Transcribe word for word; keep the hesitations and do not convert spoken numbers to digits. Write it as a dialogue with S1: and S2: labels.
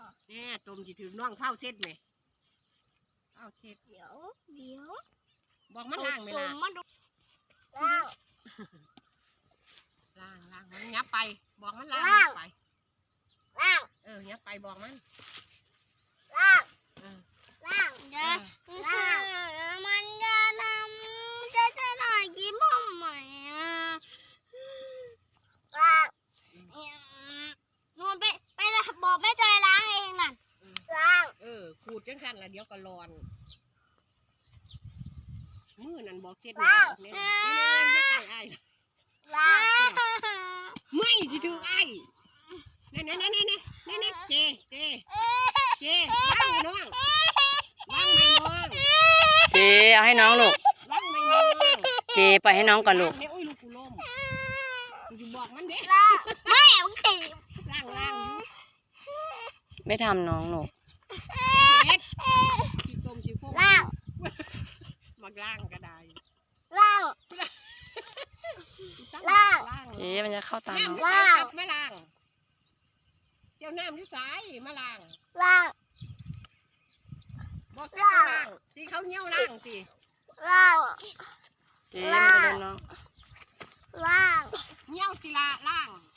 S1: แน่ต้มจีถึงน้องเผาเช็ดไหมเผาเช็ด
S2: เดี๋ยวเดี๋ยว
S1: บอกมันล้างไหมล่ะ
S2: ล้าง
S1: ล้างล้างมันยับไปบอกมันล้างไป
S2: ล้าง
S1: เออยับไปบอกมัน
S2: ล้าง
S1: เออ
S2: ล้างจะล้างมันจะทำจะจะหน่อยยิ้มทำไมอ่ะล้างนอนไปไปบอกแม่จอยล้างเองน่ะล้าง
S1: เออขูดจังสันละเดี๋ยวก็ร้อนมือนั่นบอกเช็ดเนี่ยเนี่ยเนี่ยจะไก่ไอ้
S2: ล้าง
S1: ไม่ที่ถือไอ้เนี่ยเนี่ยเนี่ยเนี่ยเนี่ยเนี่ยเจเจเจล้างน้องล้างไม่น้อง
S3: เจเอาให้น้องลูก
S1: ล้างไม่น้อง
S3: เจไปให้น้องก่อนลูก
S1: เนี่ยโอ้ยลูกกูล้มกูจะบอกมันเด้
S2: ล้างไม่มึงตี
S1: ล้างล้างอยู่
S3: ไม่ทำน้องลูก
S1: เด็ดขี้ต้มขี้โค้ง
S2: ล้าง
S1: มาล้างก็ได้
S2: ล้างล้าง
S3: เจมันจะเข้าตาน้อง
S1: ล้างมาล้างเจ้าน้ำที่สายมาล้าง
S2: ล้าง
S1: บอกล้างที่เขาเงี้ยวล้างสิ
S2: ล้าง
S3: เจมันจะโดนน้อง
S2: ล้าง
S1: เงี้ยวสิละล้าง